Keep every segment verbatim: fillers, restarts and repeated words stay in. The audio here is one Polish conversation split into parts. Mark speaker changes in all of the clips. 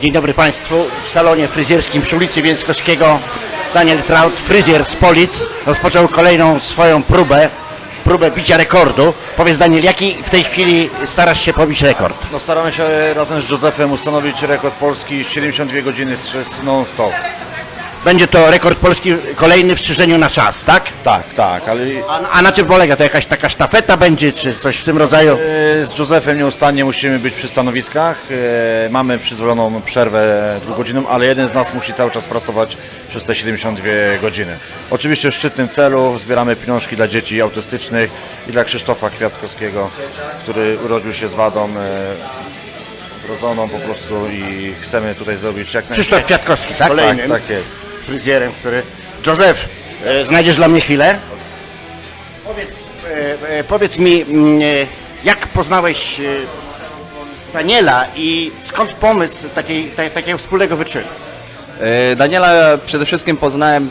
Speaker 1: Dzień dobry Państwu. W salonie fryzjerskim przy ulicy Więckowskiego Daniel Traut, fryzjer z Polic, rozpoczął kolejną swoją próbę, próbę bicia rekordu. Powiedz Daniel, jaki w tej chwili starasz się pobić rekord?
Speaker 2: No, staramy się razem z Józefem ustanowić rekord Polski siedemdziesiąt dwie godziny strzec non-stop.
Speaker 1: Będzie to rekord Polski kolejny w strzyżeniu na czas, tak?
Speaker 2: Tak, tak, ale
Speaker 1: A, a na czym polega? To jakaś taka sztafeta będzie, czy coś w tym rodzaju?
Speaker 2: e, z Józefem nieustannie musimy być przy stanowiskach. E, Mamy przyzwoloną przerwę dwugodzinną, ale jeden z nas musi cały czas pracować przez te siedemdziesiąt dwie godziny. Oczywiście w szczytnym celu zbieramy pieniążki dla dzieci autystycznych i dla Krzysztofa Kwiatkowskiego, który urodził się z wadą e, wrodzoną po prostu i chcemy tutaj zrobić jak
Speaker 1: Krzysztof
Speaker 2: najwięcej.
Speaker 1: Kwiatkowski, tak? Kolejnym
Speaker 2: Tak, tak jest.
Speaker 1: fryzjerem, który... Józef, e, znajdziesz dla mnie chwilę? Powiedz, e, e, powiedz mi, mm, e, jak poznałeś e, Daniela i skąd pomysł takiej, ta, takiego wspólnego wyczynu?
Speaker 3: E, Daniela przede wszystkim poznałem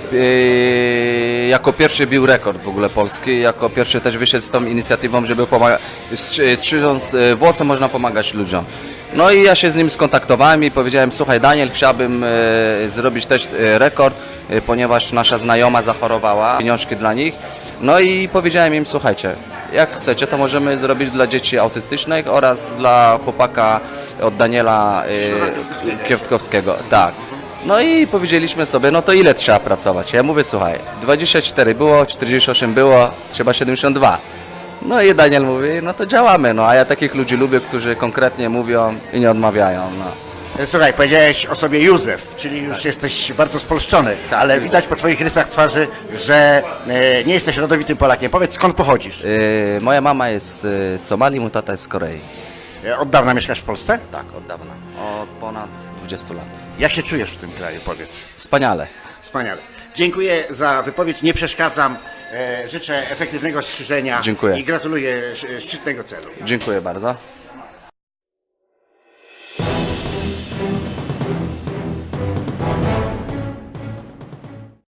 Speaker 3: e, jako pierwszy bił rekord w ogóle polski, jako pierwszy też wyszedł z tą inicjatywą, żeby pomagać, strzyżąc e, włosy można pomagać ludziom. No i ja się z nim skontaktowałem i powiedziałem, słuchaj Daniel, chciałbym e, zrobić też e, rekord, e, ponieważ nasza znajoma zachorowała, pieniążki dla nich. No i powiedziałem im, słuchajcie, jak chcecie, to możemy zrobić dla dzieci autystycznych oraz dla chłopaka od Daniela e, Kwiatkowskiego. Tak. No i powiedzieliśmy sobie, no to ile trzeba pracować? Ja mówię, słuchaj, dwadzieścia cztery było, czterdzieści osiem było, trzeba siedemdziesiąt dwa. No i Daniel mówi, no to działamy, no a ja takich ludzi lubię, którzy konkretnie mówią i nie odmawiają, no.
Speaker 1: E, Słuchaj, powiedziałeś o sobie Józef, czyli już jesteś bardzo spolszczony, ale widać po twoich rysach twarzy, że e, nie jesteś rodowitym Polakiem. Powiedz, skąd pochodzisz?
Speaker 3: Yy, moja mama jest z Somalii, mój tata jest z Korei.
Speaker 1: E, Od dawna mieszkasz w Polsce?
Speaker 3: Tak, od dawna, od ponad dwudziestu lat.
Speaker 1: Jak się czujesz w tym kraju, powiedz?
Speaker 3: Wspaniale.
Speaker 1: Wspaniale. Dziękuję za wypowiedź, nie przeszkadzam. E, życzę efektywnego strzyżenia
Speaker 3: Dziękuję.
Speaker 1: i gratuluję sz- szczytnego celu.
Speaker 3: Dziękuję bardzo.